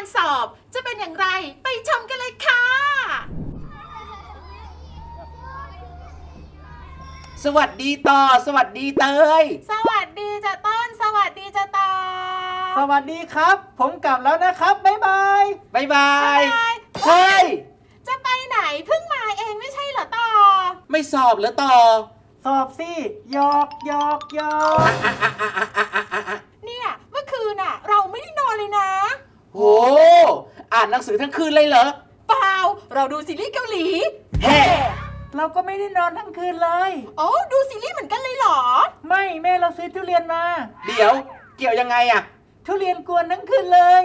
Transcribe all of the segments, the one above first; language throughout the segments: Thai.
สอบจะเป็นอย่างไรไปชมกันเลยค่ะสวัสดีต่อสวัสดีเตยสวัสดีจ้ะต้นสวัสดีจ้ะต่อสวัสดีครับผมกลับแล้วนะครับบ๊ายบายบ๊ายบายเฮ้ยจะไปไหนเพิ่งมาเองไม่ใช่เหรอต่อไม่สอบเหรอต่อสอบสิหยอกเนี่ยเมื่อคืนน่ะเราไม่ได้นอนเลยนะโหอ่านหนังสือทั้งคืนเลยเหรอเปล่าเราดูซีรีส์เกาหลีเฮ้เราก็ไม่ได้นอนทั้งคืนเลยโอ้ดูซีรีส์เหมือนกันเลยเหรอไม่แม่เราซื้อทุเรียนมาเดี๋ยวเกี่ยวยังไงอะทุเรียนกวนทั้งคืนเลย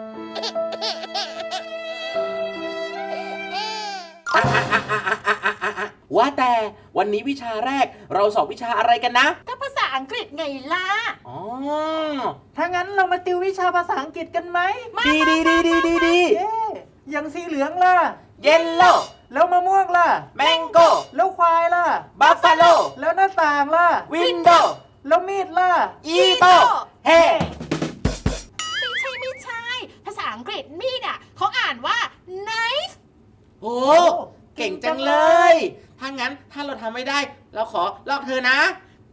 ว่าแต่วันนี้วิชาแรกเราสอบวิชาอะไรกันนะก็ภาษาอังกฤษไงล่ะอ๋อถ้างั้นเรามาติววิชาภาษาอังกฤษกันไหมดีอย่างสีเหลืองล่ะเยลโล่แล้วมะม่วงล่ะแมงโก้แล้วควายล่ะบัฟฟาโลแล้วหน้าต่างล่ะวินโดว์แล้วมีดล่ะอีโต้เฮ้ไม่ใช่ภาษาอังกฤษมีดอ่ะเขาอ่านว่า knife โอ้เก่งจังเลยถ้างั้นถ้าเราทำไม่ได้เราขอลอกเธอนะ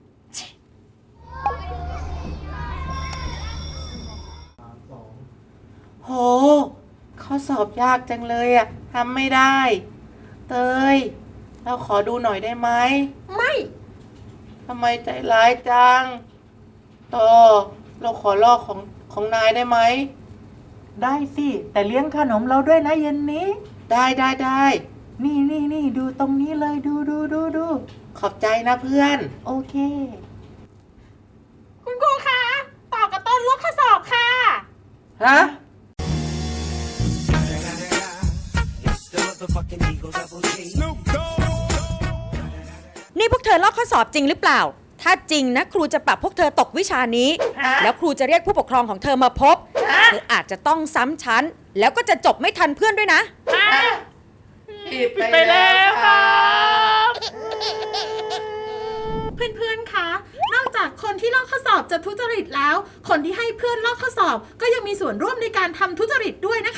โหข้อสอบยากจังเลยอะทำไม่ได้เตยเราขอดูหน่อยได้ไหมไม่ทำไมใจร้ายจังต่อเราขอลอกของนายได้ไหมได้สิแต่เลี้ยงขนมเราด้วยนะเย็นนี้ได้นี่ดูตรงนี้เลยดูขอบใจนะเพื่อนโอเคคุณครูคะต่อกับต้นลอกข้อสอบค่ะฮะนี่พวกเธอลอกข้อสอบจริงหรือเปล่าถ้าจริงนะครูจะปรับพวกเธอตกวิชานี้แล้วครูจะเรียกผู้ปกครองของเธอมาพบเธออาจจะต้องซ้ำชั้นแล้วก็จะจบไม่ทันเพื่อนด้วยนะผิดไปแล้วครับเพื่อนๆ คะ นอกจากคนที่ลอกข้อสอบจะทุจริตแล้วคนที่ให้เพื่อนลอกข้อสอบก็ยังมีส่วนร่วมในการทำทุจริตด้วยนะ